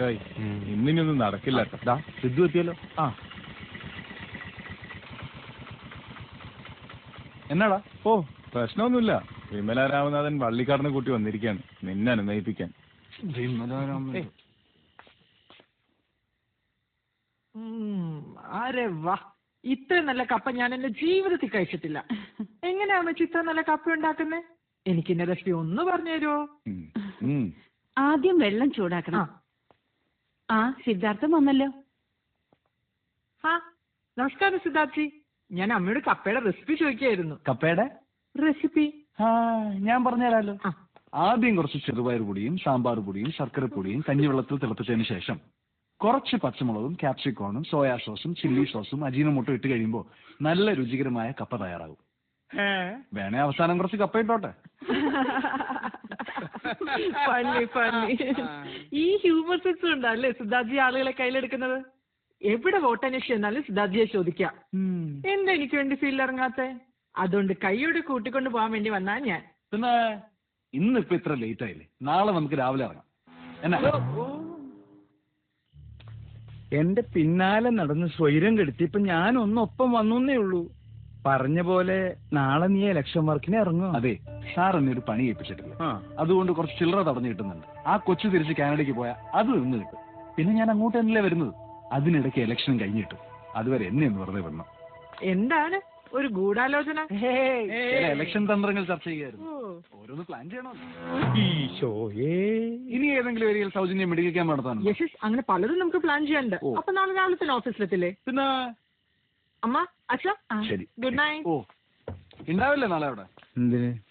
നേരമായി. ഇന്നിനൊന്നും നടക്കില്ല. സിദ്ധു എത്തിയല്ലോ. ആ എന്നാടാ? ഓ പ്രശ്നമൊന്നുമില്ല. വിമല രാമനാഥൻ വള്ളിക്കാടിനെ കൂട്ടി വന്നിരിക്കുകയാണ് നിന്നെ അനുനയിപ്പിക്കാൻ. അരെ വാ, ഇത്രയും നല്ല കപ്പ ഞാൻ എന്റെ ജീവിതത്തിൽ കഴിച്ചിട്ടില്ല. എങ്ങനെയാ വെച്ച് ഇത്ര നല്ല കപ്പ ഉണ്ടാക്കുന്നത്? എനിക്ക് എന്റെ റെസിപ്പി ഒന്ന് പറഞ്ഞു തരുമോ? ആദ്യം വെള്ളം ചൂടാക്കണം. ആ സിദ്ധാർത്ഥം വന്നല്ലോ. ആ നമസ്കാരം സിദ്ധാർത്ഥി. ഞാൻ അമ്മയോട് കപ്പയുടെ റെസിപ്പി ചോദിക്കായിരുന്നു. കപ്പയുടെ റെസിപ്പി ഞാൻ പറഞ്ഞുതരാലോ. ആദ്യം കുറച്ച് ചെറുപയർ പൊടിയും സാമ്പാർ പൊടിയും ശർക്കര പൊടിയും കഞ്ഞിവെള്ളത്തിൽ തിളപ്പിച്ചതിന് ശേഷം കുറച്ച് പച്ചമുളകും ക്യാപ്സിക്കോണും സോയാ സോസും ചില്ലി സോസും അജീനമോട്ടോ ഇട്ട് കഴിയുമ്പോൾ നല്ല രുചികരമായ കപ്പ തയ്യാറാകും. വേണേ അവസാനം കുറച്ച് കപ്പ ഇട്ടോട്ടെ. ഈ ഹ്യൂമർ സെൻസ് ഉണ്ടല്ലേ സിദ്ധാർത്ഥി ആളുകളെ കയ്യിലെടുക്കുന്നത്. എവിടെ വോട്ടന്വേഷിച്ച് എന്നാലും സിദ്ധാർത്ഥിയെ ചോദിക്കാം. എന്താ എനിക്ക് വേണ്ടി ഫീൽഡ് ഇറങ്ങാത്തെ? അതുകൊണ്ട് കൈയോട് കൂട്ടിക്കൊണ്ട് പോകാൻ വേണ്ടി വന്നാ ഞാൻ. പിന്നെ ഇന്നിപ്പോ ഇത്ര ലേറ്റ് ആയില്ലേ? നാളെ നമുക്ക് രാവിലെ ഇറങ്ങാം. എന്നാ എന്റെ പിന്നാലെ നടന്ന് സ്വൈരം കെടുത്തിയപ്പോ ഞാൻ ഒന്നൊപ്പം വന്നേ ഉള്ളൂ. പറഞ്ഞ പോലെ നാളെ നീ ഇലക്ഷൻ വർക്കിന് ഇറങ്ങും. അതെ, സാർ എന്നെ ഒരു പണി ഏൽപ്പിച്ചിട്ടില്ല. അതുകൊണ്ട് കുറച്ച് ചില്ലറ തടഞ്ഞു കിട്ടുന്നുണ്ട്. ആ കൊച്ചു തിരിച്ച് കാനഡയ്ക്ക് പോയാൽ അത് നിന്ന് കിട്ടും. പിന്നെ ഞാൻ അങ്ങോട്ട് തന്നെയല്ലേ വരുന്നത്. അതിനിടയ്ക്ക് ഇലക്ഷൻ കഴിഞ്ഞിട്ടു. അതുവരെ എന്നെ ഒന്ന് വെറുതെ വന്നു. എന്താണ് ഒരു ഗൂഢാലോചന? ഇലക്ഷൻ തന്ത്രങ്ങൾ ചർച്ച ചെയ്യായിരുന്നു. ഓരോന്ന് പ്ലാൻ ചെയ്യണോ? ഇനി ഏതെങ്കിലും ഏരിയയിൽ സൗജന്യം മെഡിക്കൽ ക്യാമ്പ് നടത്താൻ അങ്ങനെ പലതും നമുക്ക് പ്ലാൻ ചെയ്യാനുണ്ട്. അപ്പൊ നാളെ രാവിലെ തന്നെ ഓഫീസിലെത്തില്ലേ? പിന്നെ അമ്മ അച്ഛാ ശരി, ഗുഡ് നൈറ്റ്. ഓ ഉണ്ടാവില്ലേ നാളെ അവിടെ? എന്തിന്?